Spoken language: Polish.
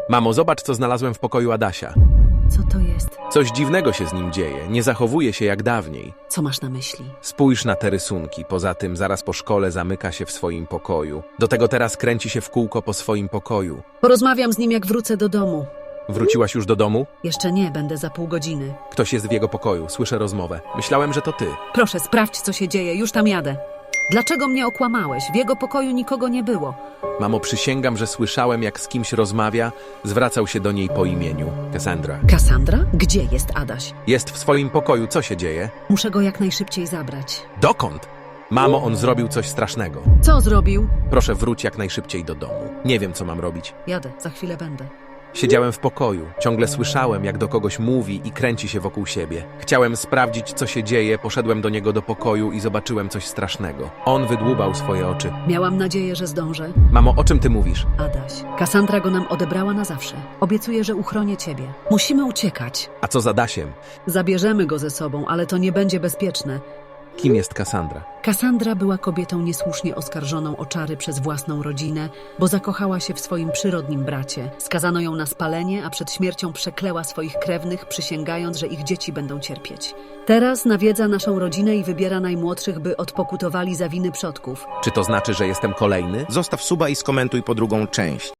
Mamo, zobacz, co znalazłem w pokoju Adasia. Co to jest? Coś dziwnego się z nim dzieje, nie zachowuje się jak dawniej. Co masz na myśli? Spójrz na te rysunki, poza tym zaraz po szkole zamyka się w swoim pokoju. Do tego teraz kręci się w kółko po swoim pokoju. Porozmawiam z nim, jak wrócę do domu. Wróciłaś już do domu? Jeszcze nie, będę za pół godziny. Ktoś jest w jego pokoju, słyszę rozmowę. Myślałem, że to ty. Proszę, sprawdź, co się dzieje, już tam jadę. Dlaczego mnie okłamałeś? W jego pokoju nikogo nie było. Mamo, przysięgam, że słyszałem, jak z kimś rozmawia, zwracał się do niej po imieniu. Cassandra. Kassandra? Gdzie jest Adaś? Jest w swoim pokoju, co się dzieje? Muszę go jak najszybciej zabrać. Dokąd? Mamo, on zrobił coś strasznego. Co zrobił? Proszę, wróć jak najszybciej do domu. Nie wiem, co mam robić. Jadę, za chwilę będę. Siedziałem w pokoju, ciągle słyszałem, jak do kogoś mówi i kręci się wokół siebie. Chciałem sprawdzić, co się dzieje, poszedłem do niego do pokoju i zobaczyłem coś strasznego. On wydłubał swoje oczy. Miałam nadzieję, że zdążę. Mamo, o czym ty mówisz? Adaś, Kassandra go nam odebrała na zawsze. Obiecuję, że uchronię ciebie. Musimy uciekać. A co z Adasiem? Zabierzemy go ze sobą, ale to nie będzie bezpieczne. Kim jest Cassandra? Kassandra była kobietą niesłusznie oskarżoną o czary przez własną rodzinę, bo zakochała się w swoim przyrodnim bracie. Skazano ją na spalenie, a przed śmiercią przekleła swoich krewnych, przysięgając, że ich dzieci będą cierpieć. Teraz nawiedza naszą rodzinę i wybiera najmłodszych, by odpokutowali za winy przodków. Czy to znaczy, że jestem kolejny? Zostaw suba i skomentuj po drugą część.